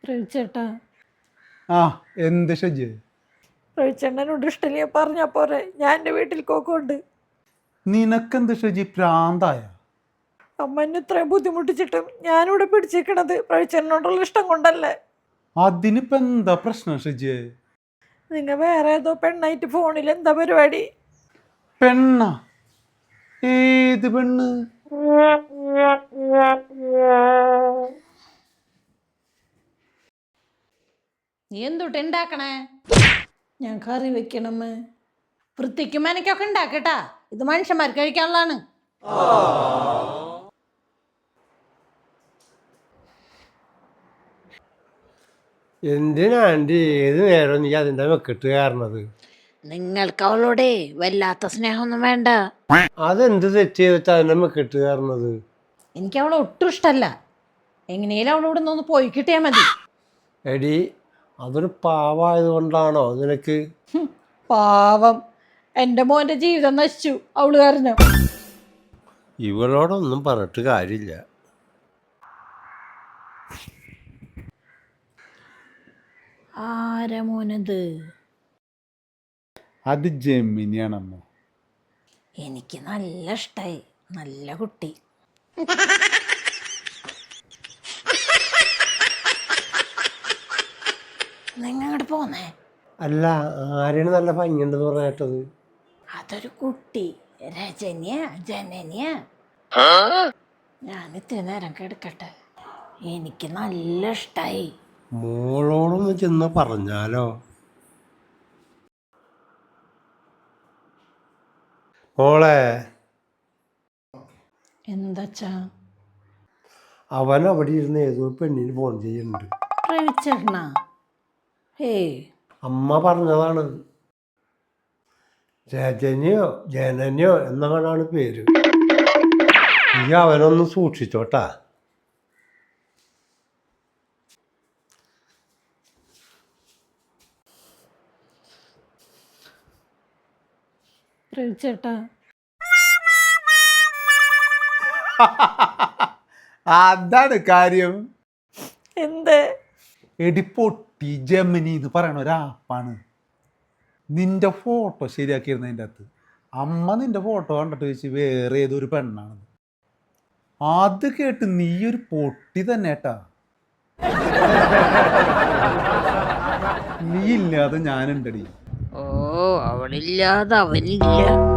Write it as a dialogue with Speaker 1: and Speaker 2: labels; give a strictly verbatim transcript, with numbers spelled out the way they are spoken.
Speaker 1: പ്രവിച്ചേട്ടാ
Speaker 2: ആ എന്ത് ഷജ്
Speaker 1: പ്രവിച്ചേട്ടനോട് ഇഷ്ടമില്ല പറഞ്ഞാ പോരെ. ഞാൻ എൻ്റെ വീട്ടിൽ കോക്കോണ്ട്.
Speaker 2: നിനക്കെന്ത് ഷജി പ്രാന്തായ?
Speaker 1: അമ്മ എന്നെ ഇത്രയും ബുദ്ധിമുട്ടിച്ചിട്ടും ഞാനിവിടെ പിടിച്ചിരിക്കണത് പ്രവിച്ചേട്ടനോടുള്ള ഇഷ്ടം കൊണ്ടല്ലേ.
Speaker 2: അതിനിപ്പോ എന്താ പ്രശ്നം ഷജി?
Speaker 1: നിങ്ങൾ വേറെ ഏതോ പെണ്ണായിട്ട് ഫോണിൽ എന്താ പരിപാടി?
Speaker 2: പെണ്ണ? ഏത് പെണ്ണ്?
Speaker 3: നീ എന്തുട്ട് ഉണ്ടാക്കണേ?
Speaker 1: ഞാൻ കറി വെക്കണമ്മേ.
Speaker 3: വൃത്തിക്കും മനക്കൊക്കെ ഉണ്ടാക്കട്ടാ, ഇത് മനുഷ്യന്മാർക്ക് കഴിക്കാനുള്ളതാണ്.
Speaker 4: എന്തിനാ ആൻറ്റി ഏത് നേരം നീ അതിൻ്റെ വെക്കിട്ട് കയറണത്?
Speaker 3: നിങ്ങൾക്ക് അവളോടെ വല്ലാത്ത സ്നേഹമൊന്നും വേണ്ട.
Speaker 4: അതെന്ത് തെറ്റ് ചെയ്തിട്ട് അതിൻ്റെ വെക്കിട്ട് കയറണത്?
Speaker 3: എനിക്ക് അവളെ ഒട്ടും ഇഷ്ടമല്ല. എങ്ങനെയാലും അവളോട് ഒന്ന് പോയി കിട്ടിയാൽ മതി.
Speaker 4: എടി അതൊരു പാവായത് കൊണ്ടാണോ നിനക്ക്?
Speaker 1: പാവം, എൻ്റെ മോൻ്റെ ജീവിതം നശിച്ചു അവള് കാരണം.
Speaker 4: ഇവളോടൊന്നും പറഞ്ഞിട്ട് കാര്യമില്ല.
Speaker 3: ആരാ മോനത്?
Speaker 2: അത് ജെമിനിയാണമ്മ.
Speaker 3: എനിക്ക് നല്ല ഇഷ്ടായി, നല്ല കുട്ടി. നിങ്ങങ്ങോട്ട് പോന്നേ.
Speaker 4: അല്ല, ആരെയാണ് നല്ല ഭംഗിയുണ്ടെന്ന് പറഞ്ഞ കേട്ടത്?
Speaker 3: അതൊരു കുട്ടി, രജനിയ ജനനിയ. ഞാൻ ഇത്തിരി നേരം കിടക്കട്ടെ, എനിക്ക് നല്ല ഇഷ്ടായി.
Speaker 4: മോളോടൊന്ന് ചെന്ന് പറഞ്ഞാലോ? മോളെ,
Speaker 3: എന്താച്ചാ?
Speaker 4: അവൻ അവിടെ ഇരുന്ന് ഏതോ പെണ്ണിന് ഫോൺ ചെയ്യുന്നുണ്ട്.
Speaker 3: പ്രവിച്ചേട്ടനാ? ഏയ്,
Speaker 4: അമ്മ പറഞ്ഞതാണ്. രജനിയോ ജനനിയോ എന്നാണ് പേര്. നീ അവനൊന്ന് സൂക്ഷിച്ചോട്ടാ.
Speaker 1: പ്രവിച്ചേട്ടാ
Speaker 2: അതാണ് കാര്യം.
Speaker 1: എന്തേ?
Speaker 2: എടി പൊട്ടി, ജെമിനി എന്ന് പറയണ ഒരാപ്പാണ്. നിന്റെ ഫോട്ടോ ശരിയാക്കിയിരുന്നതിൻ്റെ അകത്ത് അമ്മ നിന്റെ ഫോട്ടോ കണ്ടിട്ട് ചോദിച്ച് വേറെ ഏതൊരു പെണ്ണാണ്. അത് കേട്ട് നീ ഒരു പൊട്ടി തന്നെ ഏട്ടാ. നീ ഇല്ലാതെ ഞാനുണ്ടടി.
Speaker 3: ഓ, അവളില്ലാതെ അവനില്ല.